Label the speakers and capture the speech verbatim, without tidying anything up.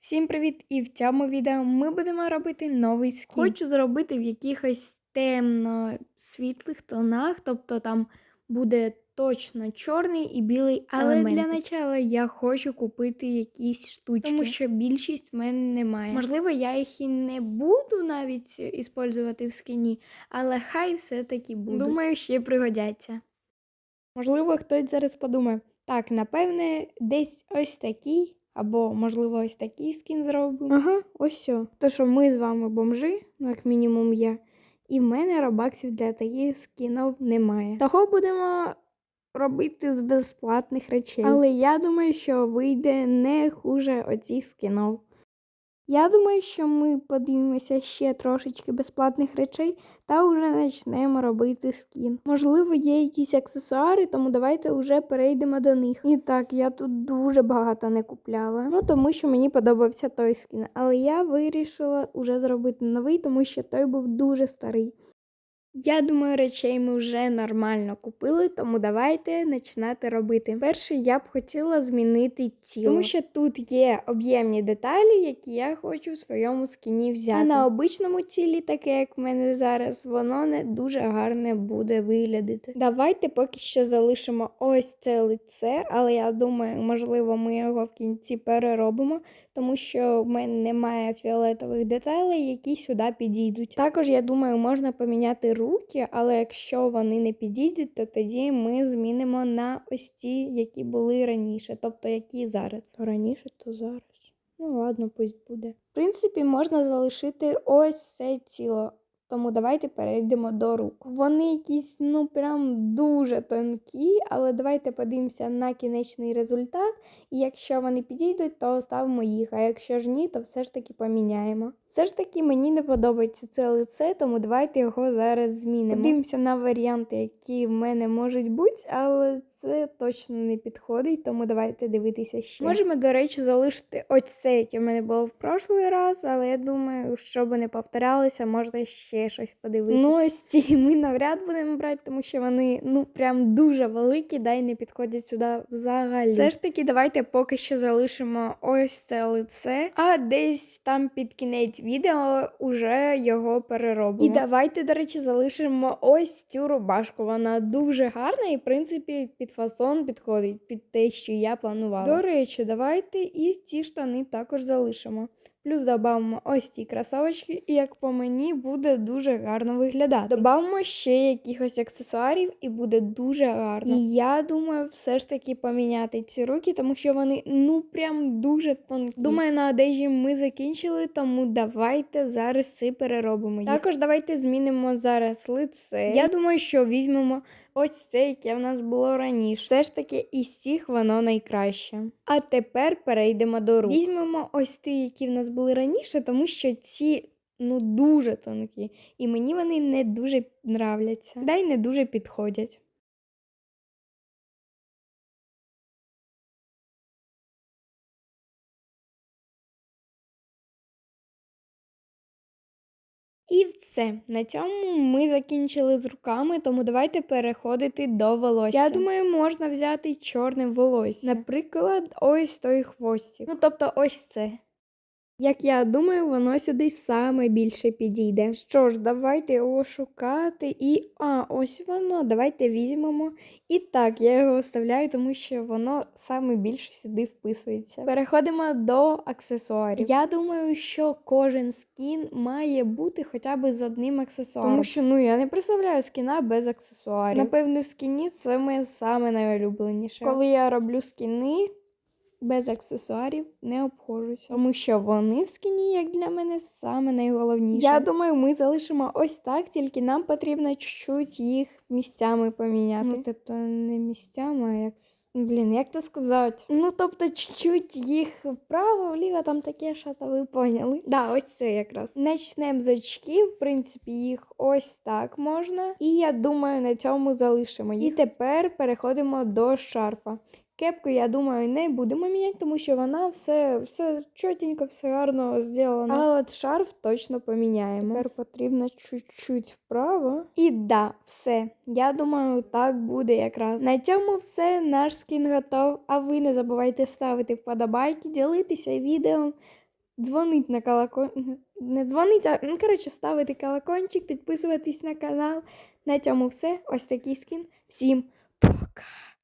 Speaker 1: Всім привіт! І в цьому відео ми будемо робити новий скін. Хочу зробити в якихось темно-світлих тонах, тобто там буде точно чорний і білий елементик. Але для початку я хочу купити якісь штучки, тому що більшість в мене немає. Можливо, я їх і не буду навіть використовувати в скіні, але хай все-таки будуть. Думаю, ще пригодяться. Можливо, хтось зараз подумає, так, напевне, десь ось такий. Або, можливо, ось такий скін зробимо. Ага, ось все. То, що ми з вами бомжи, ну, як мінімум я, і в мене робаксів для таких скінів немає. Того будемо робити з безплатних речей. Але я думаю, що вийде не хуже оцих скінів. Я думаю, що ми подивимося ще трошечки безплатних речей та вже почнемо робити скін. Можливо, є якісь аксесуари, тому давайте вже перейдемо до них. І так, я тут дуже багато не купляла, ну тому що мені подобався той скін. Але я вирішила вже зробити новий, тому що той був дуже старий. Я думаю, речей ми вже нормально купили, тому давайте починати робити. Перше, я б хотіла змінити тіло, тому що тут є об'ємні деталі, які я хочу в своєму скіні взяти. А на обичному тілі, таке як в мене зараз, воно не дуже гарне буде виглядати. Давайте поки що залишимо ось це лице, але я думаю, можливо, ми його в кінці переробимо, тому що в мене немає фіолетових деталей, які сюди підійдуть. Також, я думаю, можна поміняти руки, але якщо вони не підійдуть, то тоді ми змінимо на ось ті, які були раніше, тобто які зараз. Раніше, то зараз. Ну ладно, пусть буде. В принципі, можна залишити ось це тіло. Тому давайте перейдемо до рук. Вони якісь, ну, прям дуже тонкі, але давайте подивимося на кінечний результат. І якщо вони підійдуть, то ставимо їх, а якщо ж ні, то все ж таки поміняємо. Все ж таки мені не подобається це лице, тому давайте його зараз змінимо. Подивимося на варіанти, які в мене можуть бути, але це точно не підходить, тому давайте дивитися ще. Можемо, до речі, залишити ось це, яке в мене було в прошлий раз, але я думаю, щоб не повторялося, можна ще щось подивитися. Ну, ось ці ми навряд будемо брати, тому що вони, ну, прям дуже великі, да й не підходять сюди взагалі. Все ж таки, давайте поки що залишимо ось це лице, а десь там під кінець відео уже його переробимо. І давайте, до речі, залишимо ось цю рубашку. Вона дуже гарна і, в принципі, під фасон підходить, під те, що я планувала. До речі, давайте і ці штани також залишимо. Плюс додамо ось ці кросовочки, і, як по мені, буде дуже гарно виглядати. Додамо ще якихось аксесуарів, і буде дуже гарно. І я думаю, все ж таки поміняти ці руки, тому що вони, ну, прям дуже тонкі. Думаю, на одежі ми закінчили, тому давайте зараз все переробимо їх. Також давайте змінимо зараз лице. Я думаю, що візьмемо ось це, яке в нас було раніше. Все ж таки, із цих воно найкраще. А тепер перейдемо до рук. Візьмемо ось ті, які в нас були раніше, тому що ці, ну, дуже тонкі. І мені вони не дуже нравляться. Да й не дуже підходять. І все. На цьому ми закінчили з руками, тому давайте переходити до волосся. Я думаю, можна взяти чорне волосся. Наприклад, ось той хвостик. Ну, тобто ось це. Як я думаю, воно сюди саме більше підійде. Що ж, давайте його шукати і... А, ось воно. Давайте візьмемо. І так, я його оставляю, тому що воно саме більше сюди вписується. Переходимо до аксесуарів. Я думаю, що кожен скін має бути хоча б з одним аксесуаром. Тому що, ну, я не представляю скіна без аксесуарів. Напевно, в скіні це моє саме найулюбленіше. Коли я роблю скіни, без аксесуарів не обходжуся, тому що вони в скіні, як для мене, саме найголовніше. Я думаю, ми залишимо ось так, тільки нам потрібно чуть-чуть їх місцями поміняти. Ну, тобто не місцями, а як... Блін, як це сказати? Ну, тобто чуть-чуть їх вправо, вліво, там таке, що то ви поняли. Да, ось це якраз. Начнемо з очків, в принципі, їх ось так можна. І я думаю, на цьому залишимо їх. І тепер переходимо до шарфа. Кепку, я думаю, не будемо міняти, тому що вона все, все чотенько, все гарно зроблено. А от шарф точно поміняємо. Тепер потрібно чуть-чуть вправо. І да, все. Я думаю, так буде якраз. На цьому все. Наш скін готов. А ви не забувайте ставити вподобайки, ділитися відео. дзвонить на колокольчик, не дзвонить, а, ну, коротше, ставити колокольчик, підписуватись на канал. На цьому все. Ось такий скін. Всім пока!